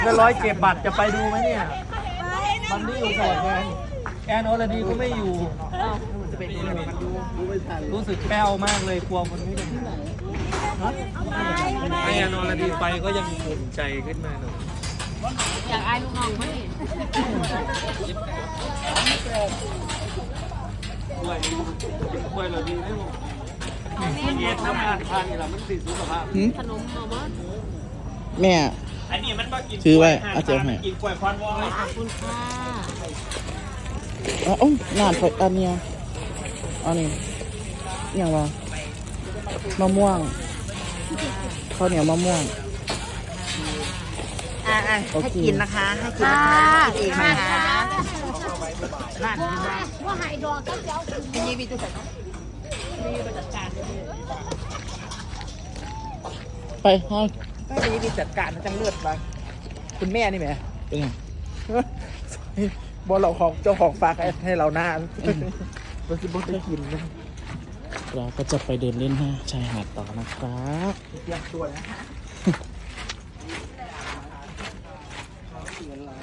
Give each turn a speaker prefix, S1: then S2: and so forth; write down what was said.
S1: ก็ร้อยเก็บบัตรจะไปดูไหมเนี่ยมันนี่อยู่โสดไงแอนอรดีก็ไม่อยู่รู้สึกแป้วมากเลยกลัวคนไม่ได้แอนอรดีไปก็ยังภูมิใจขึ้นมาหน่อย
S2: อยากอายลูกน้องไหม
S1: กล้วยเราดีได้หมดเย็นน้ำมันทานนี่แหละมันติดสุขภาพ
S2: ขนมมามั้ง
S3: แม่
S1: อันนี้มันก็กิน
S3: ซื้อไว้อาเจียวให้
S1: กินกล้วยควันวอย
S2: ขอบคุณค่ะ
S3: อ๋อน้ำอันเนี้ยอันนี้อย่างว่ามะม่วงข้าวเหนียวมะม่วง
S4: ให้กินนะคะให้กินนะคะเองนะคะ
S2: ว่าหายดอกก็เจ้าเป็นยีบีตัวใส่มีบริการ
S3: ไปห้อง
S4: ก็มีจัดการจังเลือดมาคุณแม่นี่ไหม
S3: เป็นไง
S4: บอลเราของเจ้าของฝากให้เราหน้าเราคิดว่าจะกินนะ
S3: เราก็จะไปเดินเล่นชายหาดต่อนะครับ
S4: เตรียมตัวนะ